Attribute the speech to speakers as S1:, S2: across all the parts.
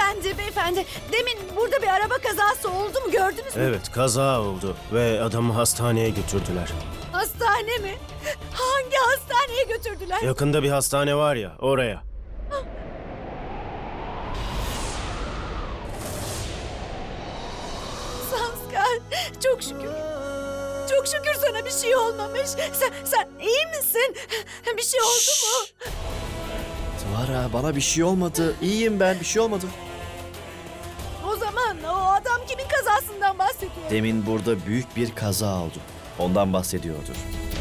S1: Beyefendi. Demin burada bir araba kazası oldu mu, gördünüz mü?
S2: Evet, kaza oldu ve adamı hastaneye götürdüler.
S1: Hastane mi? Hangi hastaneye götürdüler?
S2: Yakında bir hastane var ya, oraya.
S1: Sanskar, çok şükür. Çok şükür sana bir şey olmamış. Sen iyi misin? Bir şey oldu mu?
S3: Svara, bana bir şey olmadı. İyiyim ben, bir şey olmadı.
S1: O zaman o adam kimin kazasından bahsediyor?
S3: Demin burada büyük bir kaza oldu. Ondan bahsediyordur.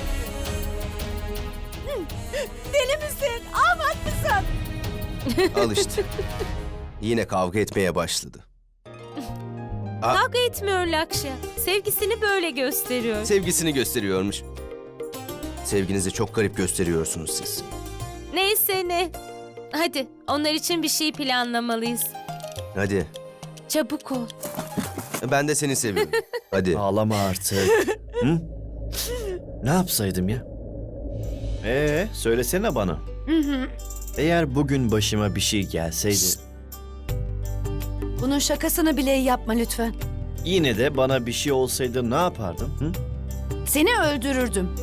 S1: Deli misin? Ahmak mısın?
S4: Al işte. Yine kavga etmeye başladı.
S5: Kavga etmiyor Lakşa. Sevgisini böyle gösteriyor.
S4: Sevgisini gösteriyormuş. Sevginizi çok garip gösteriyorsunuz siz.
S5: Neyse ne. Hadi onlar için bir şey planlamalıyız.
S4: Hadi.
S5: Çabuk ol.
S4: Ben de seni seviyorum. Hadi.
S3: Ağlama artık. Hı? Ne yapsaydım ya? Söylesene bana. Eğer bugün başıma bir şey gelseydi,
S1: Bunun şakasını bile yapma lütfen.
S3: yine de bana bir şey olsaydı ne yapardım? Hı?
S1: Seni öldürürdüm.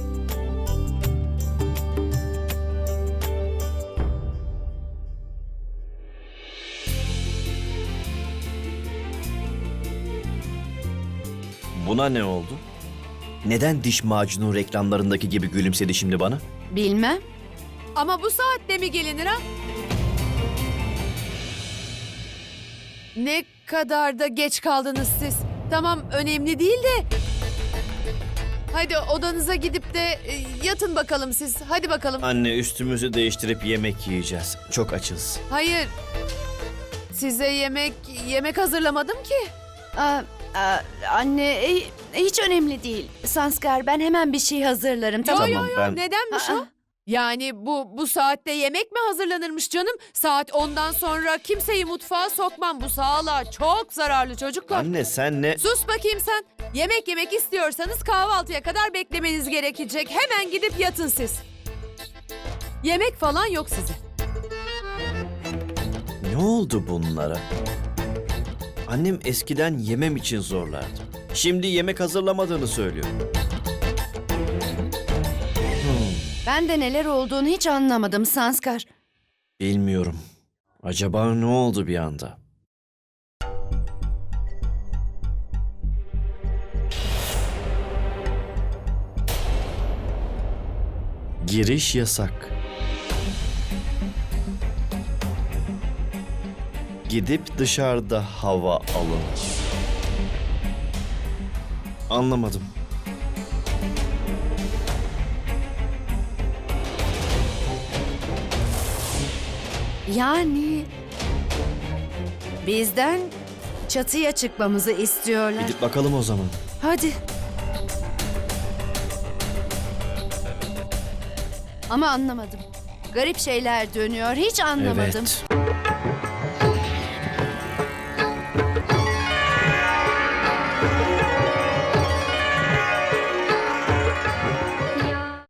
S3: Buna ne oldu? Neden diş macunu reklamlarındaki gibi gülümsedi şimdi bana?
S1: Bilmem.
S6: Ama bu saatte mi gelinir ha? Ne kadar da geç kaldınız siz. Tamam, önemli değil de. Hadi odanıza gidip de yatın bakalım siz. Hadi bakalım.
S3: Anne, üstümüzü değiştirip yemek yiyeceğiz. Çok açız.
S6: Hayır. Size yemek hazırlamadım ki.
S1: Anne, hiç önemli değil. Sanskar, ben hemen bir şey hazırlarım. Tamam.
S3: Tamam, ben...
S6: Nedenmiş
S1: Aa.
S6: o? Yani bu saatte yemek mi hazırlanırmış canım? Saat 10'dan sonra kimseyi mutfağa sokmam. Bu sağlığa çok zararlı çocuklar.
S3: Anne sen ne...
S6: Sus bakayım sen. Yemek yemek istiyorsanız kahvaltıya kadar beklemeniz gerekecek. Hemen gidip yatın siz. Yemek falan yok size.
S3: Ne oldu bunlara? Annem eskiden yemem için zorlardı. Şimdi yemek hazırlamadığını söylüyor.
S1: Ben de neler olduğunu hiç anlamadım Sanskar.
S3: Bilmiyorum. Acaba ne oldu bir anda? Giriş yasak. Gidip dışarıda hava alın. Anlamadım.
S1: Yani bizden çatıya çıkmamızı istiyorlar.
S3: Gidip bakalım o zaman.
S1: Hadi. Ama anlamadım. Garip şeyler dönüyor. Hiç anlamadım.
S3: Evet.